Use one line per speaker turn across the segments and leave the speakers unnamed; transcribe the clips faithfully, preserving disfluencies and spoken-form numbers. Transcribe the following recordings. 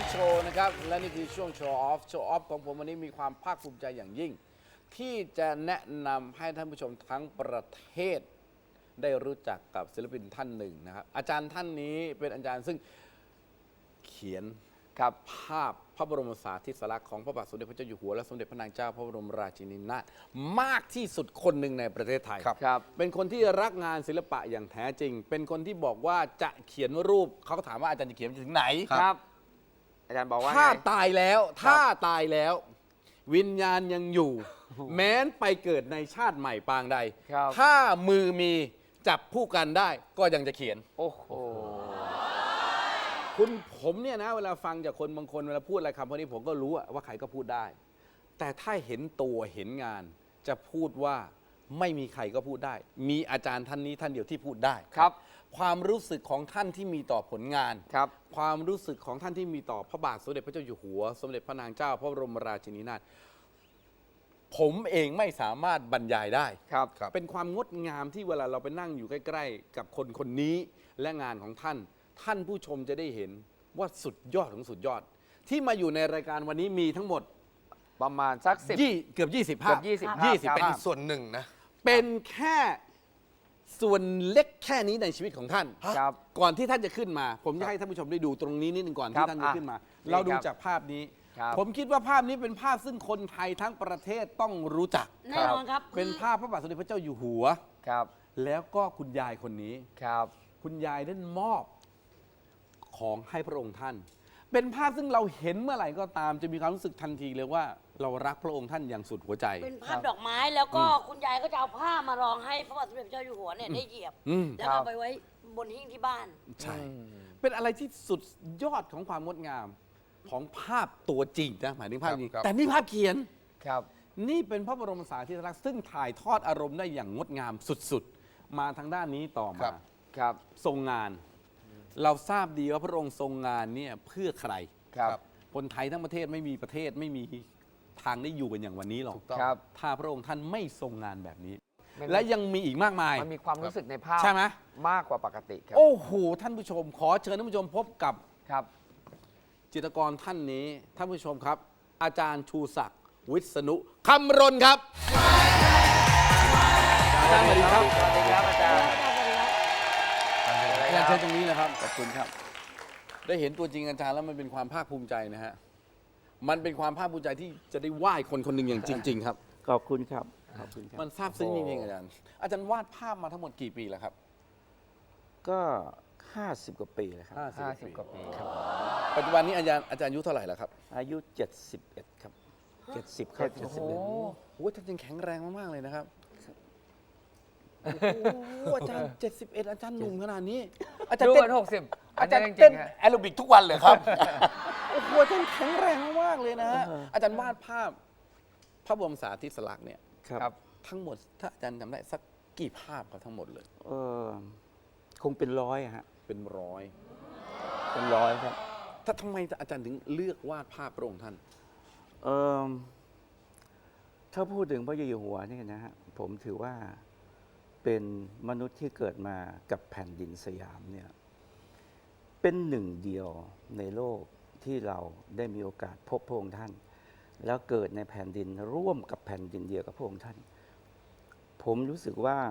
โชว์นะครับและนี่คือช่วงโชว์ออฟโชว์ออฟของผมวันนี้มีความภาคภูมิใจอย่างยิ่ง ที่จะแนะนำให้ท่านผู้ชมทั้งประเทศ ได้รู้จักกับศิลปินท่านหนึ่งนะครับอาจารย์ท่านนี้เป็นอาจารย์ซึ่งเขียนกับภาพพระบรมสารีริกธาตุของพระบาทสมเด็จพระเจ้าอยู่หัวและสมเด็จพระนางเจ้าพระบรมราชินีนาถมากที่สุดคนหนึ่งในประเทศไทย
ครับครับ
เป็นคนที่รักงานศิลปะอย่างแท้จริง เป็นคนที่บอกว่าจะเขียนรูปเขาก็ถามว่าอาจารย์จะเขียนไปถึงไหน
ครับ อาจารย์บอกว่า
ถ้า
ไง
ตายแล้วถ้าตายแล้ว วิญญาณยังอยู่ แม้นไปเกิดในชาติใหม่ปางใด
ครับ
ถ้ามือมีจับผู้กันได้ก็ยังจะเขียน
โอ้โห
คุณผมเนี่ยนะเวลาฟังจากคนบางคนเวลาพูดอะไรคำพวกนี้ผมก็รู้อะว่าใครก็พูดได้ แต่ถ้าเห็นตัวเห็นงาน จะพูดว่าไม่มีใครก็พูดได้ มีอาจารย์ท่านนี้ท่านเดียวที่พูดได้
ครับ
ความรู้สึกของท่านที่มีต่อผลงาน
ครับ
ความรู้สึกของท่านที่มีต่อพระบาทสมเด็จพระเจ้าอยู่หัว สมเด็จพระนางเจ้าพระบรมราชินีนาถผมเองไม่สามารถบรรยายได้
ครับ
เป็นความงดงามที่เวลาเราไปนั่งอยู่ใกล้ๆกับคนคนนี้และงานของท่าน ท่านผู้ชมจะได้เห็นว่าสุดยอดของสุดยอด ที่มาอยู่ในรายการวันนี้มีทั้งหมด
ประมาณสักสิบ
ยี่เกือบยี่สิบภาพ
เกือบยี่สิบภาพ
ยี่สิบ
ครับ
ภาพ
ส่วนหนึ่งนะ
เป็นแค่ส่วนเล็กแค่นี้ในชีวิตของท่าน
ครับ
ก่อนที่ท่านจะขึ้นมา ผมจะให้ท่านผู้ชมได้ดูตรงนี้นิดหนึ่งก่อน
ครั
ที่
บ
ท่านจะขึ้นมา
อ่ะ
เราดู
นี่ครับ
จากภาพนี้
ครับ
ผมคิดว่าภาพนี้เป็นภาพซึ่งคนไทยทั้งประเทศต้องรู้จัก
แน่นอนครับ
เป็นภาพพระบาทสมเด็จพระเจ้าอยู่หัว
ครับ
แล้วก็คุณยายคนนี้
ครับ
คุณยายได้มอบของให้พระองค์ท่าน เป็นภาพซึ่งเราเห็นเมื่อไหร่ก็ตาม จะมีความรู้สึกทันทีเลยว่าเรารักพระองค์ท่านอย่างสุดหัวใจ
เป็นภาพดอกไม้แล้วก็คุณยายก็จะเอาผ้ามารองให้พระบาทสมเด็จพระเจ้าอยู่หัวเนี่ยได้เหยียบ
อืม
แล้วก็เอาไปไว้บนหิ้งที่บ้าน
ใช่ เป็นอะไรที่สุดยอดของความงดงามของภาพตัวจริงนะหมายถึงภาพนี้
ครับ
แต่นี่ภาพเขียน
ครับ
นี่เป็นพระบรมสารีริกธาตุซึ่งถ่ายทอดอารมณ์ได้อย่างงดงามสุดๆ มาทางด้านนี้ต่อ
ครั
มา
บ
ครับ
ทรงงาน เราทราบดีว่าพระองค์ทรงงานเนี่ยเพื่อใคร
ครับ
คนไทยทั้งประเทศไม่มีประเทศไม่มีทางได้อยู่กันอย่างวันนี้หรอก
ถูกต้อง
ครับ
ถ้าพระองค์ท่านไม่ทรงงานแบบนี้
มัน
และยังมีอีกมากมาย
มันมีความรู้สึกในภาพ
ใช่ไหม
มากกว่าปกติครับ
โอ้โหท่านผู้ชม ขอเชิญท่านผู้ชมพบกับ
ครับ
จิตรกรท่านนี้ท่านผู้ชมครับ อาจารย์ชูศักดิ์วิษณุคำรณครับอาจารย์สวัสดีครับ
สวัสดีครับอาจารย์
อาจารย์เชิญตรงนี้นะครับขอบคุณครับ ได้เห็นตัวจริงอาจารย์แล้วมันเป็นความภาคภูมิใจนะฮะมันเป็นความภาคภูมิใจที่จะได้ไหว้คนคนหนึ่งอย่างจริง ๆ ครับ
ขอบคุณครับ ขอบคุณครับ
มันซาบซึ้งจริงๆอาจารย์ อาจารย์วาดภาพมาทั้งหมดกี่ปีแล้วครับ
ก็ ห้าสิบ กว่าปีแล้วครับ
ห้าสิบกว่าปีครับ
ปัจจุบันนี้อาจารย์อาจารย์อายุเท่าไหร่แล้วครับ
อายุ เจ็ดสิบเอ็ด ครับ เจ็ดสิบเข้า
โอ้โห
เจ็ดสิบเอ็ด
โอ้โหท่านยังแข็งแรงมากๆเลยนะครับโอ้โหอาจารย์เจ็ดสิบเอ็ดอาจารย์หนุ่มขนาดนี้ อาจาร
ดู
ย์
เห
เต้
มือน นหกสิบ
อาจารย์
จริ
เต้น
งๆฮะ
แอโรบิกทุกวันเลยครับ โอ้โหอาจารย์แข็งแรงมากๆเลยนะฮะอาจารย์วาดภาพพระบรมสารีริกเนี่ย
ครับ
ครับ
ทั้งหมดถ้าอาจารย์จำได้สักกี่ภาพครับทั้งหมดเลย
เออคงเป็นร้อยอะฮะ
เป็นร้อย
เป็นร้อยครับ
ถ้าทำไมอาจารย์ถึงเลือกวาดภาพพระองค์ท่าน
เออถ้าพูดถึงพระเจ้าอยู่หัวเนี่ยนะฮะ ผมถือว่าเป็นมนุษย์ที่เกิดมากับแผ่นดินสยามเนี่ย เป็นหนึ่งเดียวในโลกที่เราได้มีโอกาสพบพระองค์ท่าน แล้วเกิดในแผ่นดินร่วมกับแผ่นดินเดียวกับพระองค์ท่าน ผมรู้สึกว่า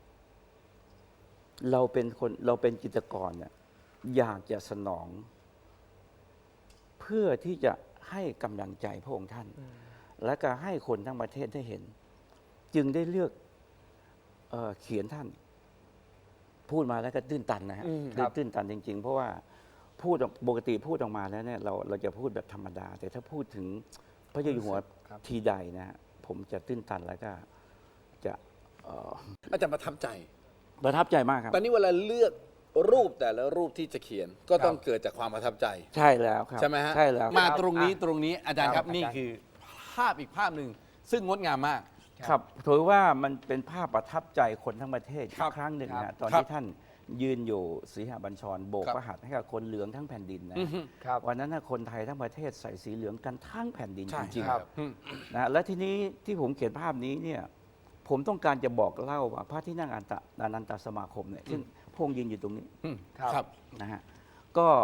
เราเป็นคนเราเป็นจิตรกรเนี่ยอยากจะสนอง เพื่อที่จะให้กำลังใจพระองค์ท่าน และก็ให้คนทั้งประเทศได้เห็น จึงได้เลือกเอ่อเขียนท่าน พูดมาแล้วก็ตื้นตันนะฮะ
อืมครับ
ตื้นตันจริง ๆ เพราะว่าพูดออกปกติพูดออกมาแล้วเนี่ยเราเราจะพูดแบบธรรมดา แต่ถ้าพูดถึงพระเจ้าอยู่หัว
ครับ
ทีใดนะฮะผมจะตื้นตันแล้วก็จะเอ่อ
อาจารย์ประทับใจ
ประทับใจมากครับ
ตอนนี้เวลาเลือกรูปแต่ละรูปที่จะเขียน ก็ต้องเกิดจากความประทับใจ
ใช่แล้วครับ
ใช่ไหมฮะ
ใช่แล้ว
มา
ครับ
ตรงนี้ตรงนี้อาจารย์ครับ
ครับ
นี่คือภาพอีกภาพหนึ่งซึ่งงดงามมาก
ครับถือว่ามันเป็นภาพประทับใจคนทั้งประเทศ
ครั
อี
บ
กครั้งหนึ่ง
ครั
นะ
บ
ตอน
ครับ
ที่ท่านยืนอยู่ศรีหบัญชรโบก
ครับ
พระหัตถ์ให้กับคนเหลืองทั้งแผ่นดินนะ
อือฮึ
ครับ
วันนั้นนะคนไทยทั้งประเทศใส่สีเหลืองกันทั้งแผ่นดิน
ใช่
จริง
ครับ
อืม
ๆนะและทีนี้ที่ผมเขียนภาพนี้เนี่ยผมต้องการจะบอกเล่าว่าพระที่นั่งอันตะอนันตสมาคมเนี่ยซึ่งพระองค์ยืนอยู่ตรงนี้
อืม
ครับ
ครับ
นะฮะก็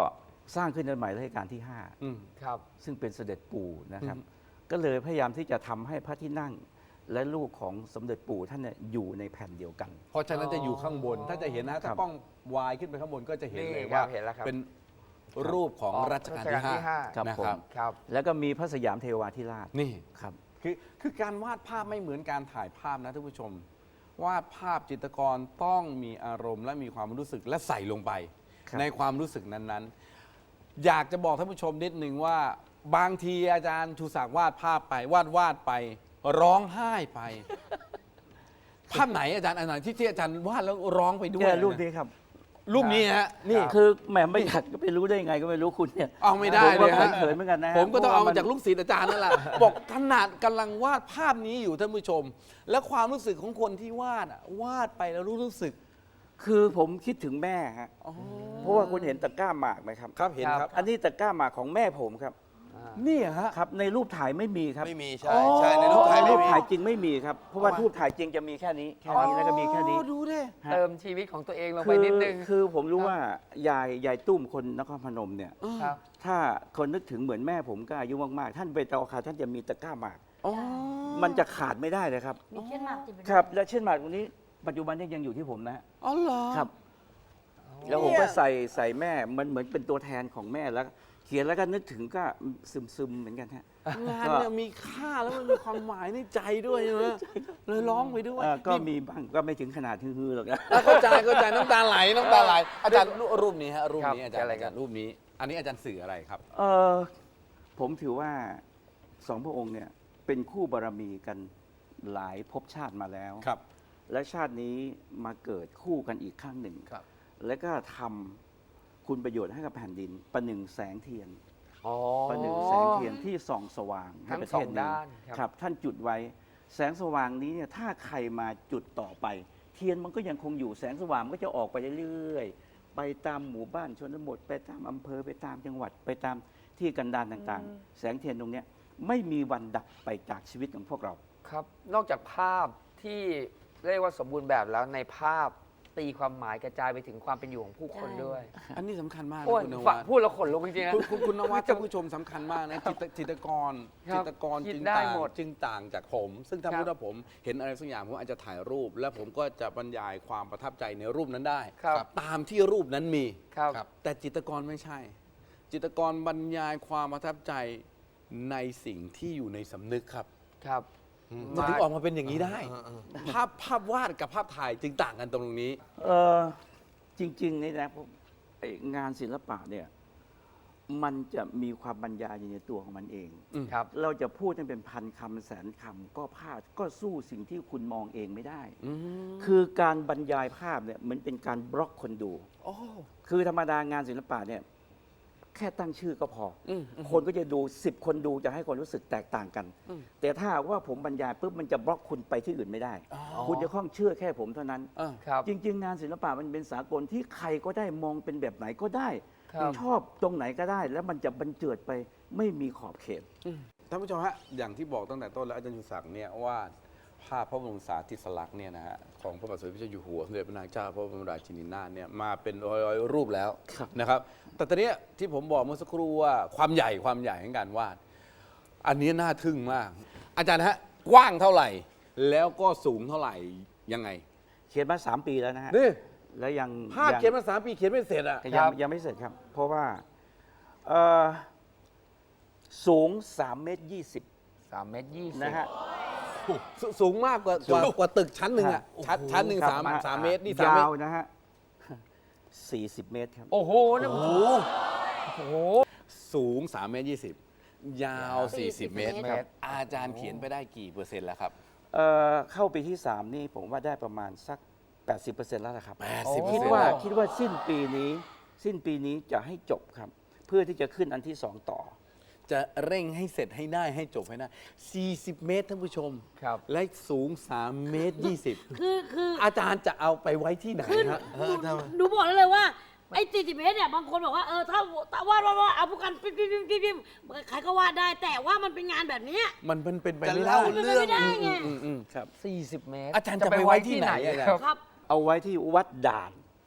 สร้างขึ้นในสมัยรัชกาลที่ห้า
อืม
ครับ
ซึ่งเป็นเสด็จปู่นะครับ
อืม
ก็เลยพยายามที่จะทำให้พระที่นั่ง และลูกของสมเด็จปู่ท่านเนี่ยอยู่ในแผ่นเดียวกัน
เพราะฉะนั้นจะอยู่ข้างบน ถ้าจะเห็นนะ
ครั
ถ้า
บ
กล้องวายขึ้นไปข้างบนก็จะเห็น
นี่
เลย
ครั
ว่า
บเห็นแล้วครับ
เป็นรูปของรัชกาลที่
รัชกาลที่ห้า
ห้า
ครับ
นะ
ผม
ครับ
ครับ
แล้วก็มีพระสยามเทวาธิราช
นี่
ครับ
คือคือการวาดภาพไม่เหมือนการถ่ายภาพนะท่านผู้ชม วาดภาพจิตรกรต้องมีอารมณ์ และมีความรู้สึกและใส่ลงไป
ครับ
ในความรู้สึกนั้นๆ อยากจะบอกท่านผู้ชมนิดนึงว่า บางทีอาจารย์ชูศักดิ์วาดภาพไป วาดวาดไป ร้องไห้ไป ภาพไหนอาจารย์อันไหนที่ที่อาจารย์วาดแล้วร้องไปด้วย
แค่รูป
นะ
นี้ครับ
รูปนี้ฮะนี่
ครับ
คือแหมไม่อยากก็ไปรู้ได้ยังไงก็ไม่รู้คุณเนี่ย
เอาไม่ได้
ผม
เลย
ก็
ฮะ
เขินๆเหมือนกันนะฮะ
ผมก็ต้องเอา
พระ
มา
ว่น
จากลูกศิษย์อาจารย์นั่นแหละ บอกขนาดกำลังวาดภาพนี้อยู่ท่านผู้ชม และความรู้สึกของคนที่วาดอะวาดไปแล้วรู้รู้สึก
คือผมคิดถึงแม่ฮะ
อ๋อ
เพราะว่าคุณเห็นตะกร้าหมากไหมครับ
ครับเห็นครับ
อันนี้ตะกร้าหมากของแม่ผมครับ
นี่ฮะ
ครับ ในรูปถ่ายไม่มีครับ
ไม่มีใช่ใช่ในรูปถ่าย
ใน
ไม่
รูป
มี
ถ่ายจริงไม่มีครับ เพราะว่ารูปถ่ายจริงจะมีแค่นี้ แค่นี้แล้วก็มีแค่นี้
โอ้ดูดิ
ฮะ
เติมชีวิตของตัวเองลง
คื
ไป
อ
นิดนึง
คือผมรู้ว่ายายยายตุ้มคนนครพนมเนี่ย
ครับ
ถ้าคนนึกถึงเหมือนแม่ผมก็อายุมากๆ ท่านไปตอคาท่านจะมีตะกร้าหมาก
อ๋อ
มันจะขาดไม่ได้เลยครับ
มีเช่นหมากติดเป็น
ครับ และเช่นหมากตรงนี้ปัจจุบันนี้ยังอยู่ที่ผมนะฮะ
อ๋อเหรอ
ครับ แล้วผมก็ใส่ใส่แม่มันเหมือนเป็นตัวแทนของแม่แล้ว เขียนแล้วก็นึกถึงก็ซึมซึมๆเหมือนกันฮะ
งานเนี่ยมีค่าแล้วมันมีความหมายในใจด้วยใช่ไหมเลยร้องไปด้วย
เอ่อก็
นี่
มีบ้างก็ไม่ถึงขนาดฮือๆหรอกนะ
เข้าใจเข้าใจน้ำตาไหลน้ำตาไหลอาจารย์รูปนี้ฮะรูปนี้
ครับ
อาจารย์
อะไร
อา
ครั
จาร
บ
ย์รูปนี้ อันนี้อาจารย์สื่ออะไรครับ
เออผมถือว่าสองพระองค์เนี่ยเป็นคู่บารมีกันหลายภพชาติมาแล้ว
ครับ
และชาตินี้มาเกิดคู่กันอีกครั้งหนึ่ง
ครับ
และก็ทำคุณประโยชน์ให้กับแผ่นดิน ประหนึ่งแสงเทียน
อ๋อ
ประหนึ่งแสงเทียนที่ส่องสว่างให้
ทั้ง
ประ
ส
เท
อง
ศนี้
ด้านครับ
ครับ ท่านจุดไว้ แสงสว่างนี้เนี่ยถ้าใครมาจุดต่อไป เทียนมันก็ยังคงอยู่แสงสว่างมันก็จะออกไปเรื่อยๆ ไปตามหมู่บ้านชนบทไปตามอำเภอไปตามจังหวัดไปตามที่กันดารต่างๆ แสงเทียนตรงเนี้ยไม่มีวันดับไปจากชีวิตของพวกเรา
ครับ นอกจากภาพที่เรียกว่าสมบูรณ์แบบแล้วในภาพตีความหมายกระจายไปถึงความเป็นอยู่ของผู้คนด้วย
อันนี้สำคัญมากนะ
โอ้ย
คุณน
ฟั
วั
ง
ด
พูดแล้วขนลุกจริงๆนะ
คุณคุณคุณนวัดท่านผู้ชมสำคัญมากนะจิตจิตรกร
ครั
จิ
บ
ตรกร
คิด
จึง
ได้
ต่าง
หมด
จึงต่างจากผม ซึ่งถ้า
ครับ
พูดว่าผมเห็นอะไรสักอย่างผมอาจจะถ่ายรูป และผมก็จะบรรยายความประทับใจในรูปนั้นได้
ครับ
ตามที่รูปนั้นมี
ครับ
แต่จิตรกรไม่ใช่ จิตรกรบรรยายความประทับใจในสิ่งที่อยู่ในสำนึกครับ
ครับ
มันถึงออกมาเป็นอย่างนี้ได้ ภาพภาพวาดกับภาพถ่ายจึงต่างกันตรงนี้
เออจริงๆนี่นะผมไอ้งานศิลปะเนี่ยมันจะมีความบรรยายอยู่ในตัวของมันเอง
ครับ
เราจะพูดให้เป็นพันคำแสนคำก็ภาพก็สู้สิ่งที่คุณมองเองไม่ได้ คือการบรรยายภาพเนี่ยเหมือนเป็นการบล็อกคนดู
โอ้
คือธรรมดางานศิลปะเนี่ยแค่ตั้งชื่อก็พออ
ม
คนก็จะดูสิบคนดูจะให้ความรู้สึกแตกต่างกัน แต่ถ้าหากว่าผมบรรยายปุ๊บมันจะบล็อกคุณไปที่อื่นไม่ได้ คุณจะข้องเชื่อแค่ผมเท่านั้น
อ่า
ครับ
จริง ๆ งานศิลปะมันเป็นสากลที่ใครก็ได้มองเป็นแบบไหนก็ได้
ครับ
ชอบตรงไหนก็ได้ แล้วมันจะบรรเจิดไปไม่มีขอบเขต
ท่านผู้ชมฮะอย่างที่บอกตั้งแต่ต้นแล้วอาจารย์ชูศักดิ์เนี่ยว่าภาพพระบรมสารีริลักษณ์เนี่ยนะฮะของพระบาทสมเด็จพระเจ้าอยู่หัวสมเด็จพระนางเจ้าพระบรมราชินีนาถเนี่ยมาเป็นร้อยๆรูปแล้ว
ครับ
นะครับ แต่ตอนเนี้ยที่ผมบอกเมื่อสักครู่ว่าความใหญ่ความใหญ่ของการวาด อันนี้น่าทึ่งมาก อาจารย์ฮะกว้างเท่าไหร่ แล้วก็สูงเท่าไหร่ยังไง
เขียนมาสามปีแล้วนะฮะ
นี่
แล้วยัง
ภาพ
ง
เขียนมาสามปีเขียนไม่เสร็จอ่ะ
แต่
ค
ยั
รั
ง
บ
ยังไม่เสร็จครับ เพราะว่าเอ่อสูงสามเมตรยี่สิบ
สามเมตรยี่สิบ
นะฮะ
สสูงมากกว่ากว่ากว่าตึกชั้นหนึ่งอ่ะชั้นชั้นหนึ่ง
ครับ
สาม
อ่
สามเมตรนี่สามเม
ยา
ต
ว
ร
นะฮะสี่สิบเมตรครับ
โอ้โหนะโอ้โหโอ้โห
สูงสามเมตรยี่สิบยาวสี่สิบเมตร
เมตร
อาจารย์เขียนไปได้กี่เปอร์เซ็นต์แล้วครับ
เอ่อเข้าปีที่สามนี่ผมว่าได้ประมาณสัก แปดสิบเปอร์เซ็นต์ แล้วนะครับ
แปดสิบเปอร์
คิด
เซ็นต์
ว่า
แล้ว
คิดว่าสิ้นปีนี้ สิ้นปีนี้จะให้จบครับ เพื่อที่จะขึ้นอันที่สองต่อ
จะเร่งให้เสร็จให้ได้ให้จบให้ได้สี่สิบเมตรท่านผู้ชม
ครับ
และสูงสามเมตรยี่สิบ
คือคือ
อาจารย์จะเอาไปไว้ที่ไหน
คือ
ฮะ
หนูหนูบอกได้เลยว่าไอ้สี่สิบเมตรเนี่ยบางคนบอกว่าเออถ้าถ้าวาดวาดวาดเอาพวกกันปิ๊บปิ๊บปิ๊บปิ๊บปิ๊บใครก็วาดได้ แต่ว่ามันเป็นงานแบบเนี้ย
มันเป็นเป็นไป
จะ
ไม่ได้
เล่า
มันเป็น
เรื่อง
ไม่ได้ไง
อืมอืม
ครับ
สี่สิบเมตร
อาจารย์จะไปไว้ที่ไหนอะ
ครับ
ครับ
เอาไว้ที่วัดด่าน
อ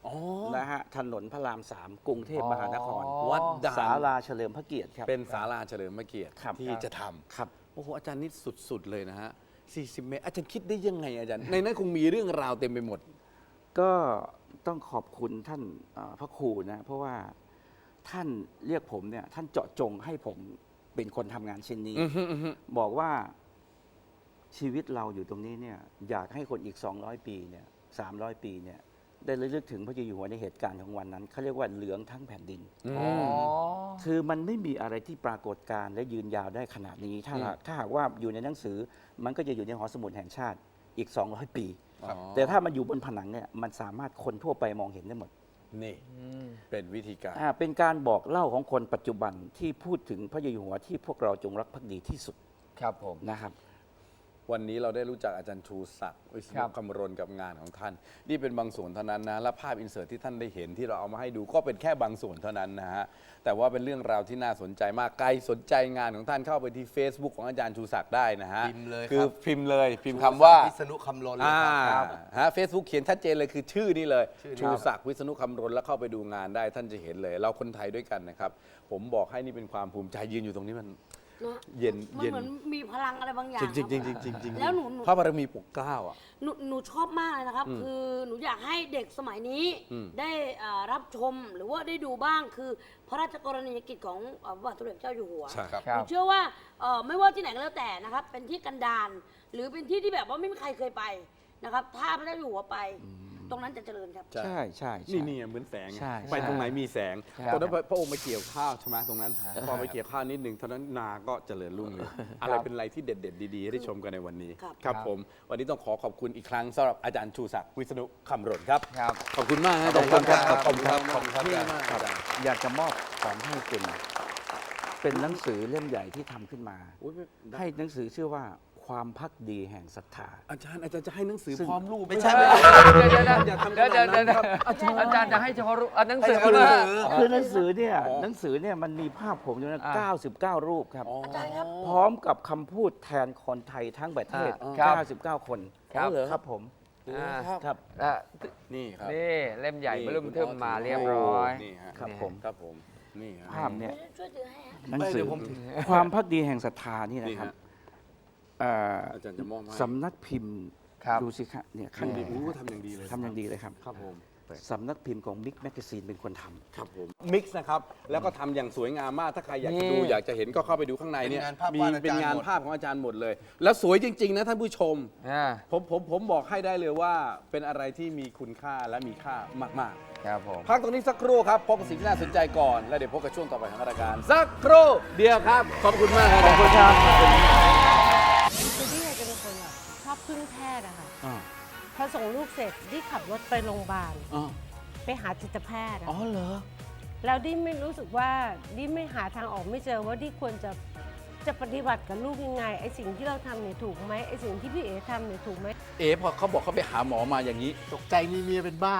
อ๋อ
นะฮะถนนพระรามสามกรุงเทพมหานคร
อ๋อ
วัดด่าน
ศาลาเฉลิมพระเกียรติครับ
เป็นศาลาเฉลิมพระเกียรติ
ครับ
ที่จะท
ครับ
ำโอ้โหอาจารย์นี่สุดๆเลยนะฮะสี่สิบเมตรอาจารย์คิดได้ยังไงอาจารย์ ในนั้นคงมีเรื่องราวเต็มไปหมด
ก็ต้องขอบคุณท่านเอ่อพระครูนะ เพราะว่าท่านเรียกผมเนี่ยท่านเจาะจงให้ผมเป็นคนทำงานชิ้นนี้
อือฮึอือฮึ
บอกว่าชีวิตเราอยู่ตรงนี้เนี่ยอยากให้คนอีก สองร้อย ปีเนี่ยสามร้อย ปีเนี่ยได้ระลึกถึงพระเจ้าอยู่หัวในเหตุการณ์ของวันนั้นเขาเรียกว่าเหลืองทั้งแผ่นดิน
อ๋อ
คือมันไม่มีอะไรที่ปรากฏการณ์และยืนยาวได้ขนาดนี้ ถ้าหากถ้าหากว่าอยู่ในหนังสือ มันก็จะอยู่ในหอสมุดแห่งชาติอีก สองร้อย ปี
อ๋อ
แต่ถ้ามันอยู่บนผนังเนี่ยมันสามารถคนทั่วไปมองเห็นได้หมด
นี่เป็นวิธีการ
อ่าเป็นการบอกเล่าของคนปัจจุบันที่พูดถึงพระเจ้าอยู่หัวที่พวกเราจงรักภักดีที่สุด
ครับผม
นะครับ
วันนี้เราได้รู้จักอาจารย์ชูศักดิ์วิศ
ครั
นุ
บ
คำรณกับงานของท่าน นี่เป็นบางส่วนเท่านั้นนะและภาพอินเสิร์ตที่ท่านได้เห็นที่เราเอามาให้ดูก็เป็นแค่บางส่วนเท่านั้นนะฮะแต่ว่าเป็นเรื่องราวที่น่าสนใจมากใครสนใจงานของท่านเข้าไปที่ Facebook ของอาจารย์ชูศักดิ์ได้นะฮะ
พิมพ์เลย
คือ
ครับ
พิมพ์เลยพิมพ์คำว่า
วิษณุคำลนเลย
อ่า
ครับ
ฮะเฟซบุ๊กเขียนชัดเจนเลยคือชื่อนี่เลย
ชื่อนี้
ชูศักดิ์วิษณุคำรณแล้วเข้าไปดูงานได้ท่านจะเห็นเลย เราคนไทยด้วยกันนะครับ ผมบอกให้นี่เป็นความภูมิใจยืนอยู่ตรงนี้มัน
นะ
เย็น
มัน
เย็น
เหมือนมีพลังอะไรบางอย่าง
จริงจริง
ค
จ
รั
ริ
บ
งจริงจริง
แล้วหนูหนู
พระบารมีปกเกล้าอ่ะ
หนูหนูชอบมากเลยนะครับ
อืม
คือหนูอยากให้เด็กสมัยนี้
อืม
ได้อ่ารับชมหรือว่าได้ดูบ้างคือพระราชกรณียกิจของอ่าพระบาทสมเด็จเจ้าอยู่หัว
ใช่ครับ
ครั
ห
บ
นูเชื่อว่าเอ่อไม่ว่าที่ไหนก็แล้วแต่นะครับ เป็นที่กันดารหรือเป็นที่ที่แบบว่าไม่มีใครเคยไปนะครับ ถ้าพระเจ้าอยู่หัวไป ตรงนั้นจะเจริญครับ
ใช่
ใช่ใช่ใช่
นี่นี่เหมือนแสง
ใช่
ไปตรงไหนมีแสง
ครับ
ตอนนั้นพระองค์มาเกี่ยวข้าวใช่ไหมตรงนั้น พอไปเกี่ยวข้าวนิดหนึ่งเท่านั้นนาก็เจริญรุ่งเรืองอะไรเป็นอะไรที่เด็ดๆดีๆให้ได้ชมกันในวันนี้
ครับ
ครับผม วันนี้ต้องขอขอบคุณอีกครั้งสำหรับอาจารย์ชูศักดิ์วิษณุคำรณครับ
ครับ
ขอบคุณมากนะ
ขอบคุณครับ
ขอบคุณครับ
ขอบคุณครับ
ขอบคุณมากอาจารย์
อยากจะมอบของให้คุณ เป็นหนังสือเล่มใหญ่ที่ทำขึ้นมา
อุ๊ยไม่ได้
ให้หนังสือชื่อว่าความพักดีแห่งศรัทธา
อาจารย์อาจารย์จะให้หนังสือ
ซึ่ง
พร้อมรูป
ไม่ใช่
ด้
ไม่ใช่
เดี๋ยวเดี๋ยว
อย่าทำข
เดี๋ยว
นาด
เดี๋ยว
นั้นครับ
อาจารย์อาจารย์จะให้เฉพาะรูปอ่ะหนังสือ
ให้เฉพาะหนังสือ
คือหนังสือเนี่ย
อ๋อ
หนังสือเนี่ยมันมีภาพผมอยู่นะ
อ่า
เก้าสิบเก้า รูปครับ
อาจารย์ครับ
พร้อมกับคำพูดแทนคนไทยทั้งประเทศ
อ่าครับ
เก้าสิบเก้า คน
ครับ
เหรอครับผม
อ่า
ครับ
ครับ
อ่ะ
นี่ครับ
นี่เล่มใหญ่
นี่
เริ่ม
คุณ
เทิม
ออส
มาเรียบร้อย
นี่ฮะ
ครับผม
ครับผมนี่ฮะ
ภาพเนี่ย
ช่วยถือให้ฮะ
หนังสื
เดี๋
อ
ยวผมถือ
ความพักดีแห่งศรัทธานี่
นี่
นะครับ
ฮะ
เอ่อ
อาจารย์จะมอบให้
สำนักพิมพ์
ครับ
ดูสิครับเนี่ย
ทำ
ข้าง
ดี
ใน
อู้ทำอย่างดีเลย
ทำอย่างดีเลยครับ
ครับผม
สำนักพิมพ์ของมิกแมกซีนเป็นคนทำ
ครับผมมิกซ์นะครับแล้วก็ทำอย่างสวยงามมากถ้าใครอยากจะดู
นี่
อยากจะเห็นก็เข้าไปดูข้างในเนี่ย
เป็นงานภาพ
มี
วาดอาจารย์
เป็นงาน
หมด
ภาพของอาจารย์หมดเลย แล้วสวยจริง ๆ นะท่านผู้ชม
อ่า
ผมผมผมบอกให้ได้เลยว่าเป็นอะไรที่มีคุณค่าและมีค่ามาก
ครับผม
ๆ พักตรงนี้สักครู่ครับพบกับสิ่งที่น่าสนใจก่อน แล้วเดี๋ยวพบกับช่วงต่อไปของรายการ สักครู่เดียวครับ ขอบคุณมากครับขอบคุณครับ
คือพี่เอจะเป็นคนแบบชอบพึ่งแพทย์อะค่ะ
อ๋อ
พอส่งลูกเสร็จดิขับรถไปโรงพยาบาล
อ๋อ
ไปหาจิตแพทย์อะ
อ๋อเหรอ
แล้วดิไม่รู้สึกว่าดิไม่หาทางออกไม่เจอว่าดิควรจะจะปฏิบัติกับลูกยังไงไอสิ่งที่เราทำเนี่ยถูกไหมไอสิ่งที่พี่เอทำเนี่ยถูกไหม
เอ๋พอเขาบอกเขาไปหาหมอมาอย่างนี้
ตกใจมีเมียเป็นบ้า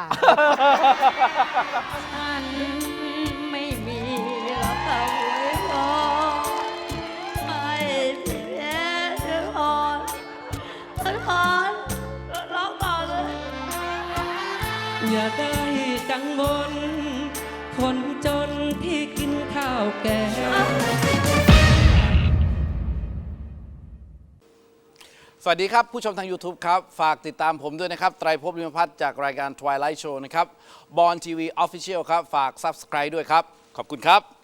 ฉันไม่มีรับเอาไว้พอให้เสียจะพอฉันขอร้องต่อเลย
อย่าได้กังวลคนจนที่กินข้าวแกง
สวัสดีครับ ผู้ชมทาง YouTube ครับ ฝากติดตามผมด้วยนะครับ ไตรภพ ลิมพัฒน์จากรายการ Twilight Show นะครับบอลทีวี Official ครับ ฝาก Subscribe ด้วยครับ ขอบคุณครับ